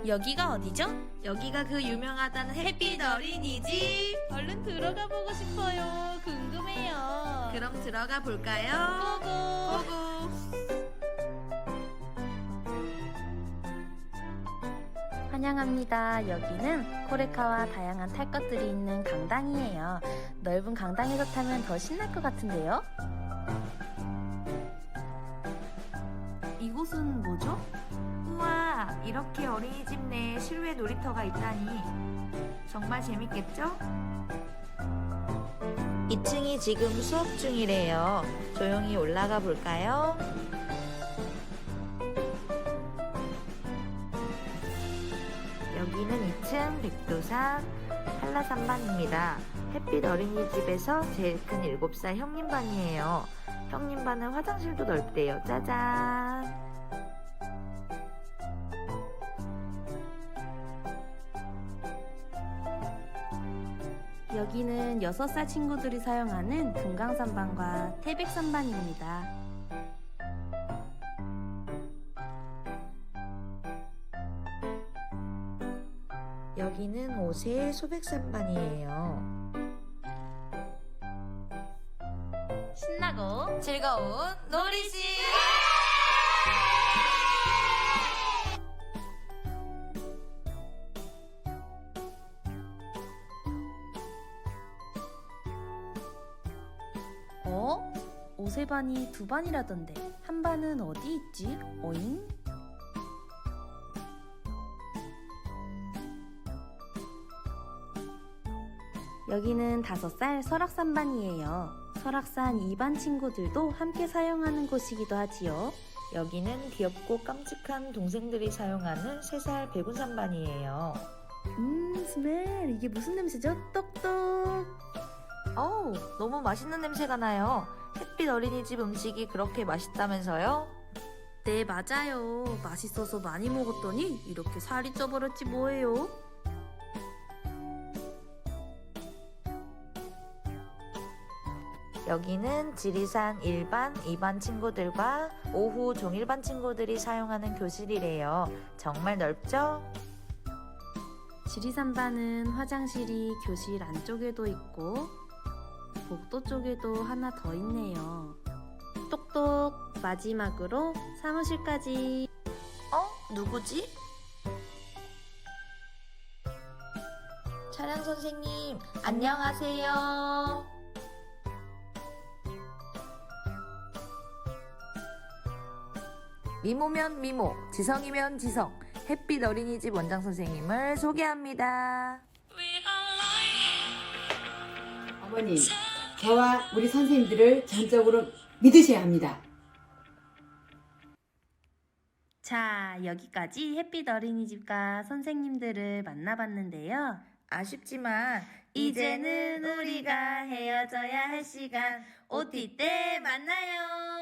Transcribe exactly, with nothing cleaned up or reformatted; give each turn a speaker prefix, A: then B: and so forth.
A: 여기가 어디죠?
B: 여기가 그 유명하다는 햇빛 어린이집.
A: 얼른 들어가 보고 싶어요. 궁금해요.
B: 그럼 들어가 볼까요?
A: 고고.
B: 고고.
C: 환영합니다. 여기는 코레카와 다양한 탈 것들이 있는 강당이에요. 넓은 강당에서 타면 더 신날 것 같은데요? 이곳은 뭐죠?
B: 우와, 이렇게 어린이집 내에 실외 놀이터가 있다니 정말 재밌겠죠? 이 층이 지금 수업 중이래요. 조용히 올라가 볼까요? 여기는 이 층 백두산 한라산반입니다. 햇빛 어린이집에서 제일 큰 일곱 살 형님 반이에요. 형님 반은 화장실도 넓대요. 짜잔!
C: 여기는 여섯 살 친구들이 사용하는 금강산반과 태백산반입니다.
B: 여기는 오세 소백산반이에요.
A: 신나고 즐거운 놀이시.
C: 어? 오세반이 두 반이라던데 한 반은 어디 있지? 어잉? 여기는 다섯 살 설악산반이에요. 설악산 이 반 친구들도 함께 사용하는 곳이기도 하지요.
B: 여기는 귀엽고 깜찍한 동생들이 사용하는 세 살 백운산반이에요.
C: 음, 스멜. 이게 무슨 냄새죠? 똑똑.
B: 어우, 너무 맛있는 냄새가 나요. 햇빛 어린이집 음식이 그렇게 맛있다면서요?
C: 네, 맞아요. 맛있어서 많이 먹었더니 이렇게 살이 쪄버렸지 뭐예요.
B: 여기는 지리산 일 반, 이 반 친구들과 오후 종일반 친구들이 사용하는 교실이래요. 정말 넓죠?
C: 지리산반은 화장실이 교실 안쪽에도 있고 복도 쪽에도 하나 더 있네요. 똑똑. 마지막으로 사무실까지.
B: 어? 누구지? 차량 선생님, 안녕하세요. 미모면 미모, 지성이면 지성, 햇빛 어린이집 원장 선생님을 소개합니다.
D: 어머니, 저와 우리 선생님들을 전적으로 믿으셔야 합니다.
C: 자, 여기까지 햇빛 어린이집과 선생님들을 만나봤는데요.
B: 아쉽지만
C: 이제는 우리가 헤어져야 할 시간. 오티 때 만나요.